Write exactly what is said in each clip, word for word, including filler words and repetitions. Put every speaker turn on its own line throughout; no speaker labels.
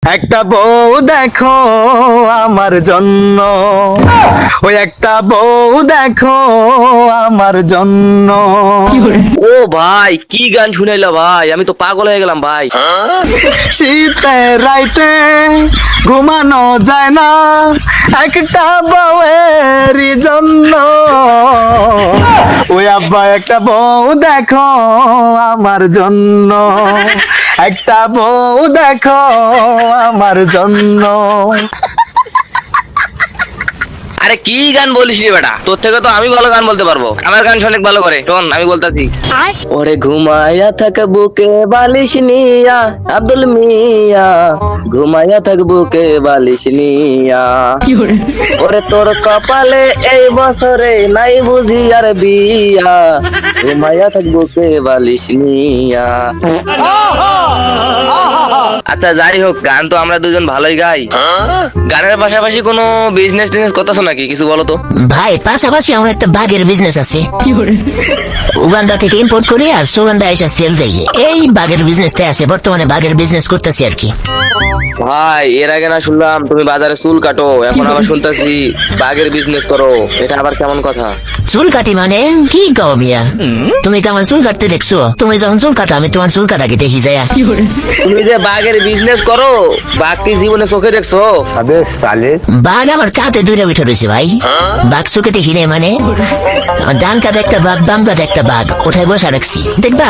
একটা বউ দেখো আমার জন্য, ওই একটা বউ দেখো আমার জন্য।
ও ভাই কি গান শুনাইলা ভাই, আমি তো পাগল হয়ে গেলাম ভাই।
শীতের রাইতে ঘুমানো যায় না একটা বউয়ের জন্য, ওই আব্বা একটা বউ দেখো আমার জন্য, একটা বউ দেখো আমার জন্য।
আরে কি গান বলিস রে বেটা, তোর থেকে তো আমি ভালো গান বলতে পারবো, আমার গান অনেক ভালো করে শোন, আমি বলতাছি। ওরে ঘুমায়া থাক বুকে বালিশ নিয়া, আব্দুল মিয়া ঘুমায়া থাক বুকে বালিশ নিয়া, ওরে তোর কপালে এই বছরে নাই বুঝি আর বিয়া, ঘুমায়া থাক বুকে বালিশ নিয়া। আচ্ছা যাই হোক, গান তো আমরা দুজন ভালোই গাই, গানের পাশাপাশি কোনো বিজনেস টিজনেস করতেছো নাকি, কিছু বলো তো।
ভাই পাশাপাশি আমার একটা বাগের বিজনেস আছে, উগান্ডা থেকে ইম্পোর্ট করি আর সুগন্ধা এসে সেল দেয়, এই বাগের বিজনেসটা আছে বর্তমানে, বাগের বিজনেস করতেছি আর কি।
ভাই এর আগে না শুনলাম তুমি বাজারে চুল কাটো, এখন আবার শুনতেছি বাগের বিজনেস করো, এটা আবার কেমন কথা?
চুল কাটি মানে কি কও মিয়া, তুমি তো আমার চুল কাটতে দেখছো, তুমি যখন চুল কাটো আমি তোমার চুল কাটাকে দেখি যায়।
তুমি যে বাগের বিজনেস করো, বাঘ কি জীবনে চোখে দেখছো?
বাঘ আমার কাতে দুইটা উঠে রয়েছে ভাই, বাঘ চোখে দেখি নাই মানে, ডান কাতে একটা বাঘ বাম কাতে একটা বাঘ ওঠায় বসা রাখছি, দেখবা।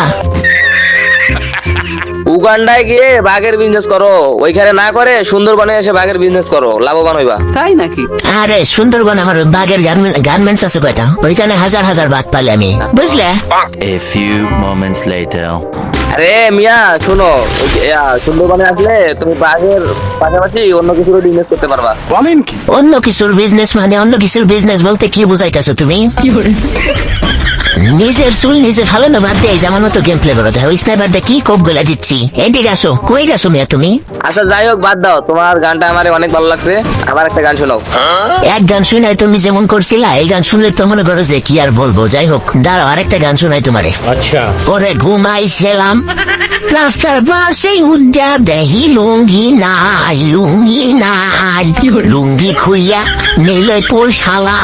উগান্ডায় গিয়ে বাঘের বিজনেস করো, ওইখানে না করে সুন্দরবনে এসে বাঘের বিজনেস করো, লাভবান হইবা।
তাই নাকি?
আরে সুন্দরবন আমার বাঘের গার্মেন্টস আছে কয়টা, ওইখানে হাজার হাজার বাঘ পালে আমি, বুঝলে।
A few moments later.
আরে মিয়া শুনো, ওই যে, আহ, সুন্দরবনে আসলে তুমি বাঘের পাশাপাশি অন্য কিছু বিজনেস করতে পারবা।
অন্য কিছুর বিজনেস মানে অন্য কিছুর বিজনেস বলতে কি বুঝাইতেছো তুমি? নিজের চুল নিজে ফালানো বাদ দিয়ে যেমন মতো গেম প্লে করতে হয়, ওই স্নাইপার দিয়ে কি কোপ গুলা দিচ্ছি। এদিকে আসো, কই গেছো মিয়া তুমি?
আচ্ছা যাই হোক বাদ দাও, তোমার গানটা আমার অনেক ভালো লাগছে, আবার একটা গান শোনাও।
এক গান শুনাই তুমি যেমন করছিলা, এই গান শুনলে তো মনে করো যে কি আর বলবো, যাই হোক দাঁড়াও আরেকটা গান শোনাই তোমারে। আচ্ছা ওরে ঘুমাইছিলাম রাস্তার পাশে উদ্যা দেহি লুঙ্গি নাই, লুঙ্গি নাই, লুঙ্গি খুইয়া নিলে তোর শালা।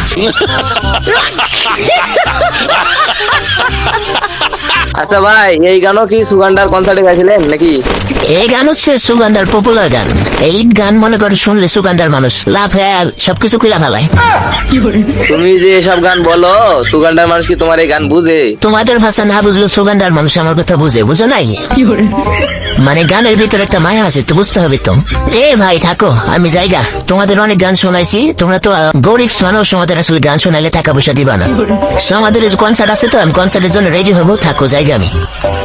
আচ্ছা ভাই এই গানও কি সুগান্ডার কনসার্টে গাইছিলেন নাকি?
এই গান হচ্ছে সুগন্ধার পপুলার গান, এই গান মনে করে শুনলে সুগন্ধার মানুষ লাভ আর সবকিছু খুলা ফেলায়।
তুমি যে এসব গান বলো, সুগান্ডার মানুষ কি তোমার এই গান বুঝে?
তোমাদের ভাষা না বুঝলে সুগন্ধার মানুষ আমার কথা বুঝে, বুঝো নাই? মানে গানের ভিতরে একটা মায়া আছে তো, বুঝতে হবে তো। এ ভাই থাকো, আমি জায়গা, তোমাদের অনেক গান শোনাইছি, তোমরা তো আহ, গরিব মানুষ, তোমাদের আসলে গান শোনাইলে টাকা পয়সা দিবা না। So, আমাদের কনসার্ট আছে তো, আমি কনসার্টের জন্য রেডি হবো, থাকো জায়গা আমি।